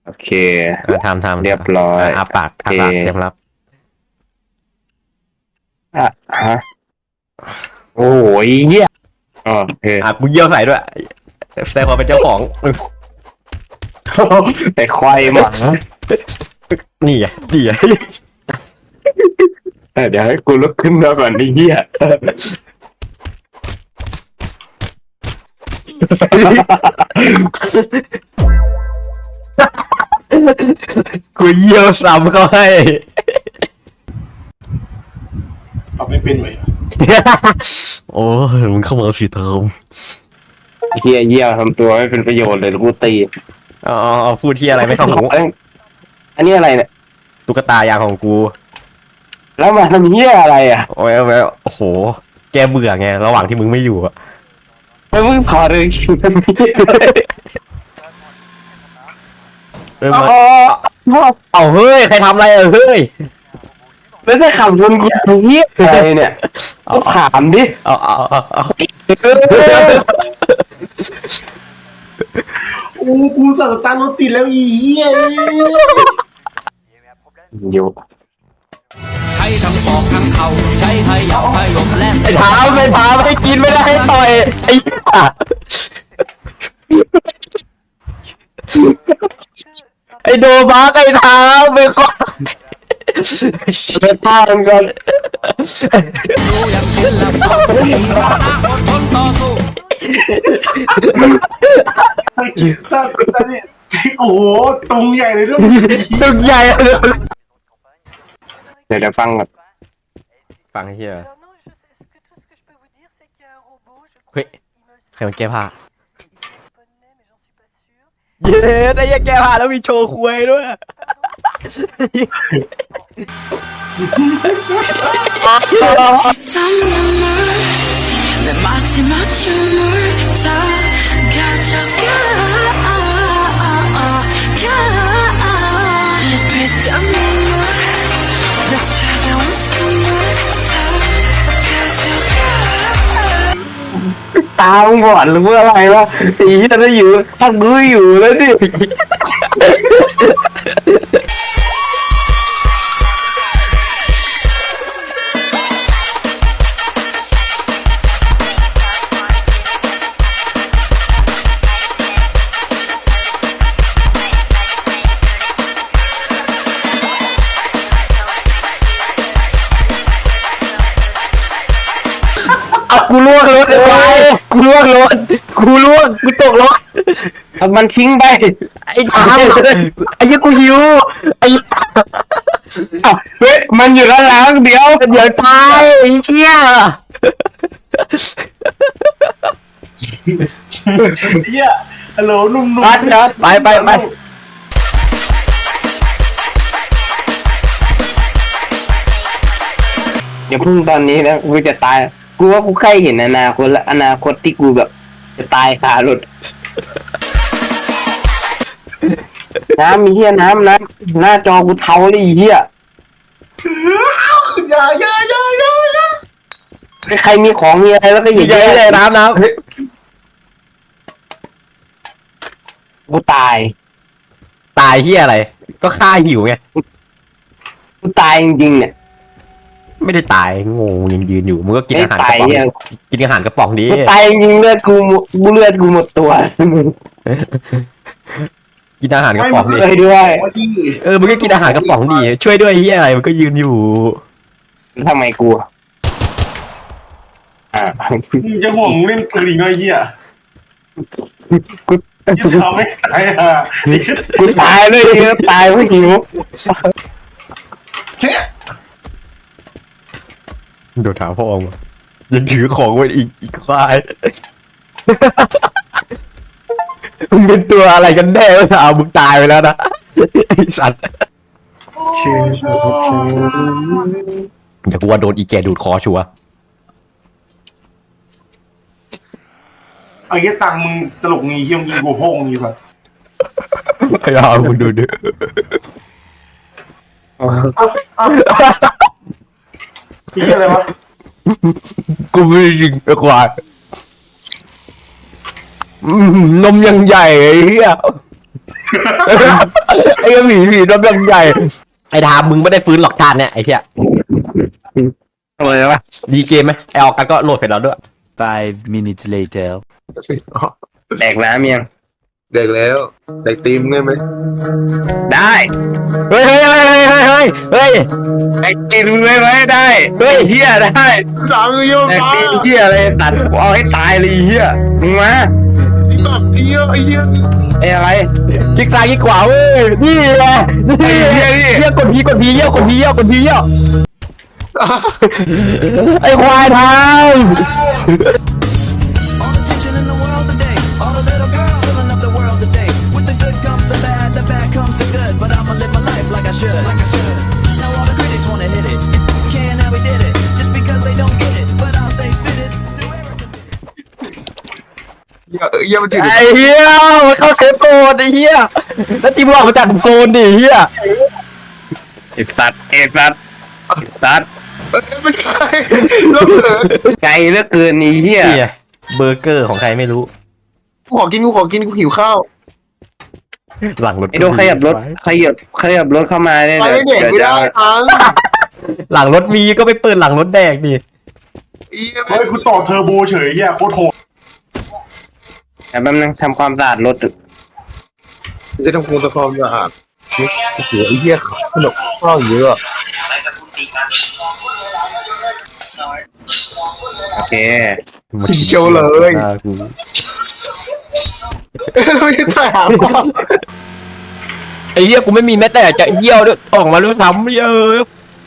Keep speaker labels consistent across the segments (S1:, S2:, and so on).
S1: โอเค
S2: ทำ
S1: เรียบร้อย
S2: อาปาก
S1: โอเค
S2: เตรียมรับ
S1: อ่ะฮะโอ้ยเหี้ยอ๋อโอเค
S2: กูเยี่ยวใส่ด้วยแสดงความเป็นเจ้าของ
S1: แต่ควายหมา
S2: นี่ไงนี่ไง
S1: เดี๋ยวให้กูลุกขึ้นมาก่อนนี่เหี้ย
S2: กูเยี่ยวซ้ำเขาให้
S3: เอาไม่เป็นไหม
S2: โอ้ยมึงเข้ามาผิดเทอม
S1: เหี้ยเหี้ยทำตัวไม่เป็นประโยชน์เลยกูตี
S2: เอาพูดที่อะไรไม่เข้าหู
S1: อันนี้อะไรเนี่ย
S2: ตุ๊กตายางของกู
S1: แล้วมาทำเหี้ยอะไรอ่ะ
S2: โอ้ยโอ้โหแกเบื่อไงระหว่างที่มึงไม่อยู่อะ
S1: แล้วมึงถอดเลย
S2: มาเอาเฮ้ยใครทำอะไรเฮ้ย
S1: แล้วจะขับชนกูเหี้ยอะไรเนี่ยก็ถามดิ
S2: เอา
S3: โอ้กูสั่งสตาร์ทรถติดแล้วอีเหี้ย
S1: อยู่
S4: ใช้ทั้งศอกทั้งเข่าใช้พยองพยมแล่น
S2: ไอ้เท้าให้กินไม่ได้ให้ต่อยไอ้ไอ้โดบักไอ้เท้าไปก่อน
S1: ไปท่ากันก่อน
S4: รู้อย่างศิลปะมีสาระอดทนต่อสู้
S3: ตาเนี่ยโอ้โหตรงใหญ่เลยด้วย
S2: ตึกใหญ่เลย
S1: เดี๋ยวฟังก่อน
S2: ฟังเฮีย
S5: Alors non, tout ce que je peux vous dire, c'est qu'il y a un robot, je crois,
S2: Oui.
S5: il me
S2: ใครมันแก้ผ้า
S5: japonais, mais j'en suis pas sûre.
S2: เย้ได้ยังแก้ผ้าแล้วมีโชว์คุยด้วย
S6: 내 마지막 춤을 다 가져가 빗땀 눈물 내 차가운 숨을 다 가져가
S1: ตามึงบอดหรือว่าอะไรวะไอ้เหี้ยถ้าอยู่ถ้ากูอยู่แล้วดิ
S2: เอากูล่วงรถไปกูล่วงรถกูตกรถ
S1: เอามันทิ้งไป
S2: ไอ้ถามไอ้ยี่กูหิวไอ้
S1: อ้าวเฮ้ยมันอยู่ด้านหลังเดี๋ยว
S2: เดี๋ยวตายไอ้เชี่ย
S3: เหี้ยฮัลโหลนุ่ม
S1: นัดนัด
S2: ไป
S1: อย่าเพิ่งตอนนี้นะกูจะตายกูว่ากูใกล้เห็นอนาคตแล้วอนาคตที่กูแบบจะตายคารถน้ำมีเหี้ยน้ำหน้าจอกูเทาเลยไอ้เหี้ย
S3: อย่า
S1: ใครมีของมีอะไรแล้วก็อย่า
S2: ใหญ่
S1: แย่
S2: เลยน้ำ
S1: กูตาย
S2: ตายเฮียอะไร ก็ฆ่าหิวไง
S1: กูตายจริงๆเนี่ย
S2: ไม่ได้ตายงงยังยืนอยู่มึงก็กิน
S1: ไม่
S2: อาหารก
S1: ตาย
S2: ระป๋อง
S1: เนี่ย
S2: กินอาหารกระป๋องดี
S1: กูตายจริงๆเลือดกูหมดตัว
S2: กินอาหารกระป๋องดิ
S1: เลยด้วย
S3: จริง
S2: มึงก็กินอาหารกระป๋องดิช่วยด้วยเฮียอะไรมันก็ยืนอยู่
S1: ทำไมกู
S3: มึงจะห่วงเล่นปืนอีกหน่อยเหี้ย
S1: กู
S3: จะทำไม่ตายอ่ะ
S1: กูตายเลยตายเพราะหิว
S3: แค่
S2: โดนถามพ่อองยังถือของไว้อีกควายมึงเป็นตัวอะไรกันแน่วะถามมึงตายไปแล้วนะไอ้สัตว์เดี๋ยวกูว่าโดนอีแกดูดคอชัวร์
S3: ไอ้เหี้ยตังมึงตลกงี้เหี้ยมึงยิงกูโพ่งงี้สัส
S2: ไอ้ห่ามึงดูดิ
S3: พี่อะไรวะ
S2: กูไม่ได้ยิงไอ้ควายนมยังใหญ่ไอ้เหี้ยไอ้หมีตัวเรื่องใหญ่ไอ้ทามมึงไม่ได้ฟื้นหรอกชาติเนี่ยไอ้เหี้ย
S1: อะไรวะ
S2: ดีเกมไหมไอ้ออกกันก็โหลดเสร็จแล้วด้วย
S7: 5 minutes later
S1: แดกน้ำยัง
S8: เด็กแล้วเด็กตีมได้ไหม
S1: ได้
S2: เฮ้ย
S1: ไอ้กินไม่ไว้ได้เฮ้ยเฮียได้
S8: สามโยน
S1: แต่
S8: มา
S1: กินเฮียอะไรตัดกูเอาให้ตายเลยไอ้เฮียมึงมา
S8: แบบเยอะไอ้เหี้ย
S1: ไอ้อะไร
S2: คลิกซ้ายคลิกขวาเว้ยนี่แหละนี่เหี้ยกดพีเยี่ยวไอ้ควายทาง
S4: All the tension in the world today. All the little girls filling up the world today. With the good comes the bad comes the good. But I'ma live my life like I should. Now all the critics wanna hit it. Can't how we did it. Just because they don't get it. But I'll stay fitted. Do everything.
S8: เหี้ยมันอยู่
S2: ไอ้เหี้ยมันเข้าเซฟโซนไอ้เหี้ยแล้วทีมออกมาจากโซนดิเหี้ย
S1: ไอ้สัตว์ไอ้สัตว์ไอ้สัตว์
S8: ไม่ใช่แล้วเหรอ
S1: ไกลเหลือเกินไอ้เฮีย
S2: นี่เบอร์เกอร์ของใครไม่รู้
S8: กูขอกินกูหิวข้าว
S2: หลังรถ
S1: ไอ้โดขยับรถเข้ามาได้
S8: ไป
S1: เลย
S8: ไม่เด็กไม่ได้ทั้ง
S2: หลังรถมีก็ไปเปิดหลังรถแดกดิ
S3: เฮ้ยกูต่อเทอร์โบเฉยเหี้ยโคตรโหด
S1: แต่แป๊บนึงทำความสะอาดรถตึก
S8: จะทำความสะอาดโอ้โหไอ้เหี้ยขนมข้าวเยอะ
S1: โอเค
S8: เจียวเลย
S2: อ่ากู
S8: ไม่ใช่ถ่ายหาพ่อ
S2: ไอ้เหี้ยกูไม่มีแม้แต่จะเยี่ยวด้วยออกมาด้วยซ้ำเยอะ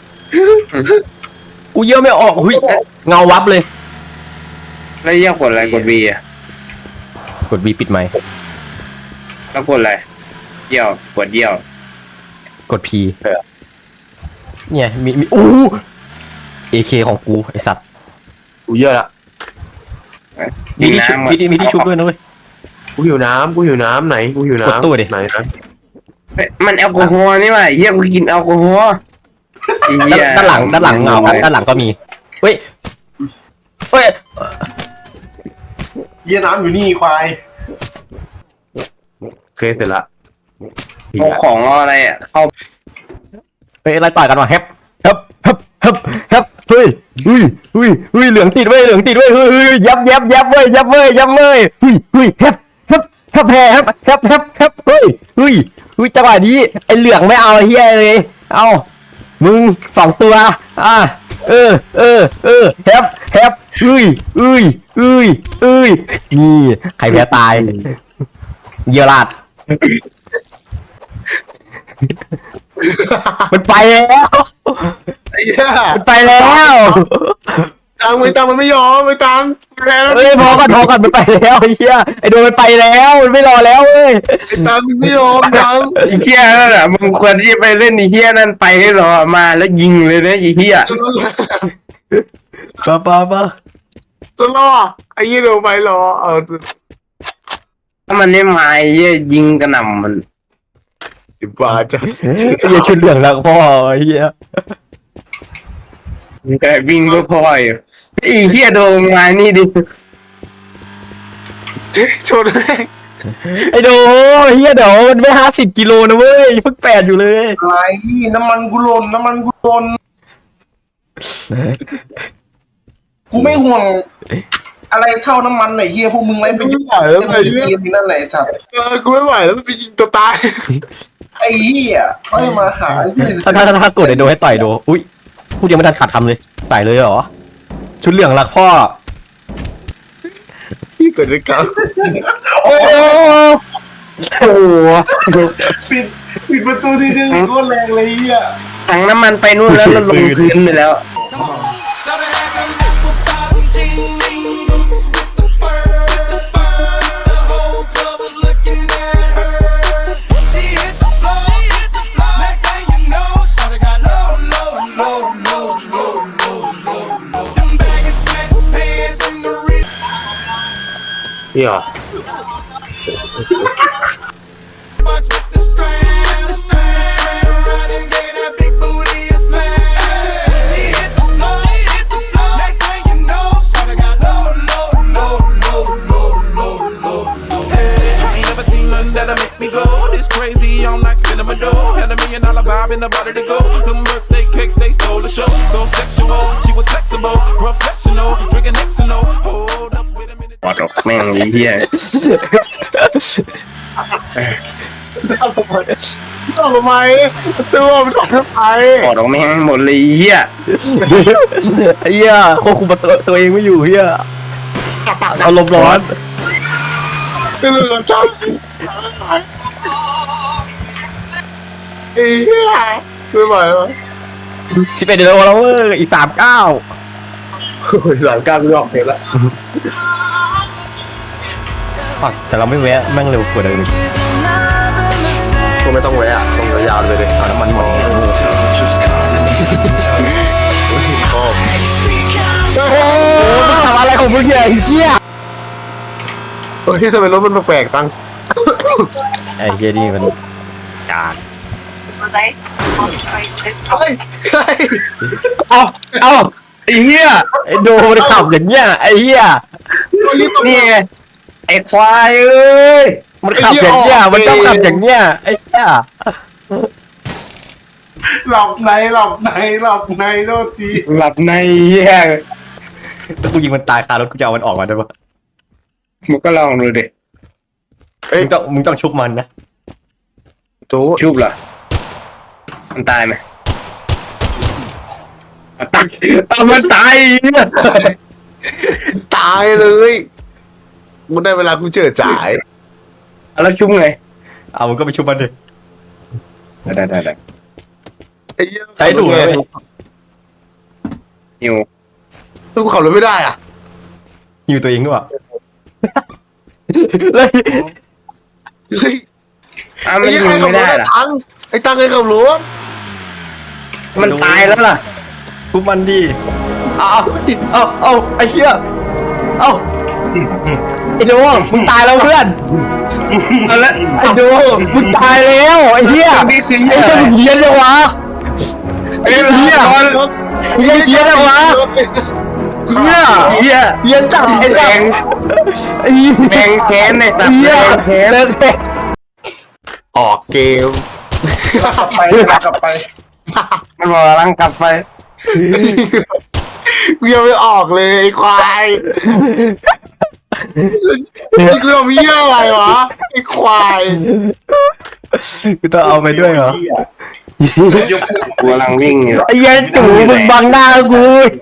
S2: กูเยี่ยวไม่ออกเฮ้ยเงาวับเลย
S1: แล้วเยี่ยกดอะไรกด V อ่ะ
S2: กด B ปิดไมค์
S1: แล้วกดอะไรเยี่ยวกดเยี่ยว
S2: กด P เนี่ยมีอู้ AK ของกูไอสัตว์
S8: กูเยอะละ
S2: มีที่ชุบมีที่ชุบด้วยนะเว้ย
S8: กูหิวน้ำไหนกูหิวน้ำ
S2: กดตู้ดิ
S8: ไหนนะ
S1: เฮ้ยมันแอลกอฮอล์นี่หว่าเยี่ยกูกินแอลกอฮอล์ไอ้เหี้ย
S2: ด้านหลังเงาด้านหลังก็มีเฮ้ย
S3: เหี้ยน้ำอยู่นี่ควาย
S8: เคยเสร็จละ
S1: เอาของเอาอะไรอ่ะเข้า
S2: เฮ้ยอะไรต่อยกันวะแฮปเฮ้ยเหลืองติดเว้ยเฮ้ยยับเว้ยเฮ้ยแฮปเฮ้ยจังหวะนี้ไอเหลืองไม่เอาไอ้เหี้ยเลยเอามึง2ตัวแฮปเฮ้ยนี่ใครแพ้ตายเยี่ยราดมันไปแล้ว
S8: ไอ้เหี้ย
S2: มันไปแล้ว
S8: ตังมันไม่ยอมไม่ตังแพ้แล้ว
S2: เฮ้ยพอก่อนมันไปแล้วไอ้เหี้ยไอ้โดนมันไปแล้วมันไม่รอแล้วเว้ย
S8: ตังมันไม่ยอมตัง
S1: ไอ้เหี้ยนั่นแหละมึงควรที่ไปเล่นไอ้เหี้ยนั่นไปให้รอมาแล้วยิงเลยนะไอ้เหี้ย
S2: ป้า
S8: ตัวล่อไอ้เหี้ยเดี๋ยวไปรอเอา
S1: ถ้ามันไม่มาไอ้เหี้ยยิงกระหน่ำมัน
S8: บาจ้ะ
S2: ไอ้เหี้ยชุดเหลืองแล้วพ่อไอ้เหี้ย
S1: แต่วิ่งก็พออยู่ไอ้เหี้ยโดนมานี่ดิ
S8: ชนแม่ง
S2: ไอ้โดไอ้เหี้ยเดี๋ยวมันไม่50 กิโลนะเว้ยเพิ่ง8อยู่เลย
S3: อะไรนี่น้ำมันกูหล่นกูไม่ห่วงอะไรเท่าน้ำมันหน่อยเฮียพวกมึงไรไปยิง
S8: ไหวแล้วไอ้เหี้ย
S3: เกมนั่นแหละไอ้สัตว์
S8: กูไม่ไหวแล้วมันไปยิงตัวตาย
S3: ไอ้เฮียเขาจะมาหาไอ้เหี้ย
S2: ถ้ากดไอ้โดให้ต่อยโดอุ้ยพูดยังไม่ทันขาดคำเลยใส่เลยเหรอชุดเหลืองรักพ่อ
S8: ที่เกิดด้วยกัน
S1: โอ้โห
S3: ปิดประตูทีนึงโคตรแรงเลยเฮีย
S1: ถังน้ำมันไปนู่นแล้วมันลงพื้นไปแล้ว
S8: นี่เหรอ
S4: Ain't never seen nothing that'll make me go this
S9: spinning my dough. Had $1 million vibe in the body to go. Them birthday cakes, they stole the show. So sexual, she was flexible, professional, drinking Xano. Hold up, wait a minute.
S1: ปอดออกแม่งไอ้เหี้ย
S8: ต้องทำไมตัวมันต้องทำไม
S1: ปอดออกแม่งหมดเลยไอ้เหี้ย
S2: ไอ้เหี้ยควบคุมตัวเองไม่อยู่เหี้ยเอาลมณ์ร้อน
S8: เป็นเรื่องชอบไอ้เหี้ยไม่ไหวแล้ว
S2: 11เดือนแล้วเว้ยอีก39
S8: โอ้ยหลังการไม่ออกเพลงละ
S2: แต่เราไม่แวะแม่งเร็วกว่าเดิม
S6: Is another mistake.
S8: ก็ไม่ต้องแวะตรงยาวๆเลยเลยเอาน้ำมันหมดชอบ
S2: โอ้มึงทำอะไรของมึงเนี่ยไอ้เชี่ย
S8: เฮ้ยทำไมรถมันแปลกๆตัง
S2: ไอ้เชี่ยนี่มันกาก
S8: เฮ้ยเฮ้ย
S1: เอาเอาไอ้เหี้ย
S2: ไอ้โดมันขับอย่างเงี้ยไอ้เหี้ย
S1: นี่ไงไอ้ควายเอ้ย
S2: มันขับอย่างเงี้ยมันต้องขับอย่างเงี้ยไอ้เหี้ย
S3: หลับในโทษที
S1: หลับในเหี้ย
S2: ถ้ากูยิงมันตายคารถกูจะเอามันออกมาได้ปะ
S1: มึงก็ลองดูดิ
S2: มึงต้องชุบมันนะ
S8: จู
S1: ชุบเหรอมันตายไหมตายเอามันตายเหี้ย
S8: ตายเลยกูได้เวลากูเจอจ่าย
S1: แล้วชุบไง
S2: เอามึงก็ไปชุบมันดิ
S1: ได้
S8: ไอ้เหี้ย
S2: ใช้ถูกเลย
S1: หิว
S8: กูขับรถไม่ได้อ่ะ
S2: หิวตัวเองด้วย เลย
S8: เฮ้ย
S1: อ้าวมันยิงไม่ได้เหรอ
S8: ไอ้ตังไอ้ขับรถ
S1: มันตายแล้วล่ะ
S2: ชุบมันดิเอาไอ้เหี้ยเอาไอ้โดมึงตายแล้วเพื่อน
S1: เอาละ
S2: ไอ้โดมึงตายแล้วไอ้เหี้ยไอ้เชี่ยมึงเฮี้ยนเลยวะ
S1: ไอ้เหี้ย
S2: มึงยังเฮี้ยนเลยวะเหี้ย
S1: เหี้ย
S2: เฮี้ยนจังไอ้
S1: แบ
S2: แดง
S1: ง
S2: ไอ้เหี้ย
S1: แบงแค้นในตับ
S2: เหี้ย
S1: แบงแค้น
S2: เลิกแค่
S8: ออกเกม
S3: กลับไป
S1: มันบอกกำลังกลับไป
S8: กูยังไม่ออกเลยไอ้ควายนี่กูเอาเบี้ยอะไรวะไอ้ควาย
S2: กูต้องเอาไปด้วยเหรอ
S1: กูกำลังวิ่งอยู่
S2: ไอ้เหี้ยจู่มึงบังหน้ากู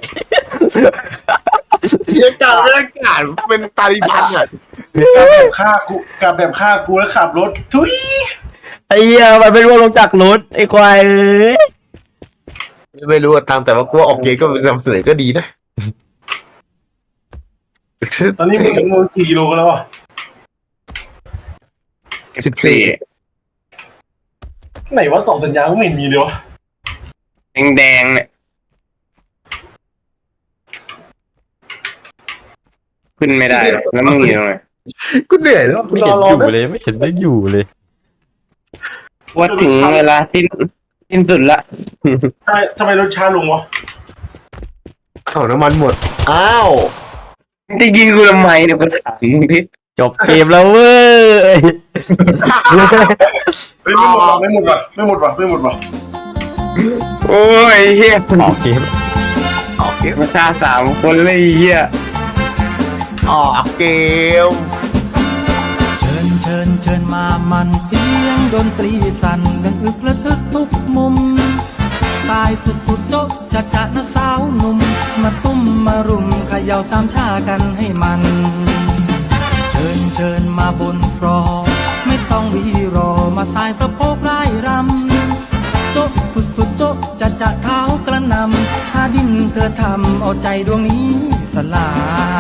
S8: เหี้ยกาไม่ได้กาดเป็นตาลิบันอ่ะ
S3: กับแบบฆ่ากูแล้วขับรถทุย
S2: ไอ้เหี้ยมันไม่ร่วงลงจากรถไอ้ควายเอ้ย
S8: ไม่รู้อะตามแต่ว่ากูออกเกมก็เป็นนำเสนอก็ดีนะ
S3: ตอนนี้มึงมึงกี่กิโลกันแล้วอ่ะ
S8: 14
S3: ไหนว่าส่องสัญญาณก็ไม่เห็นมีเลยวะ
S1: แดงเนี่ยขึ้นไม่ได้แล้วมึงอยู่ตรงไหน
S8: กูเหนื่อยแล้ว
S2: ไม่เห็นอยู่เลยไม่เห็นไม่อยู่เลย
S1: ว่าถึงเวลาสิ้นสุดละ
S3: ทำไมรถช้าลงวะ
S8: เอาน้ำมันหมดอ้าว
S1: จะยิงกูทำไมเนี่ยกูถามมึงดิ
S2: จบเกมแล้วเว้ย
S3: ไม่หมดว่ะ
S1: โอ้ยเฮีย
S2: ออกเกม
S8: ออกเกม
S1: มาฆ่า3 คนเลยเฮีย
S8: ออกเกม
S4: เชิญมามันเสียงดนตรีสั่นดังอึกระทึกทุกมุมสายสุดโจ๊ะจะนะสาวหนุ่มมาตุ้มมารุมเขย่าสามชากันให้มัน เชิญมาบนฟลอร์ไม่ต้องวีรอมาสายสะโพกไล่รำโจ๊ะสุดโจ๊ะจะเท้ากระนำหาดินเธอทำเอาใจดวงนี้สลาย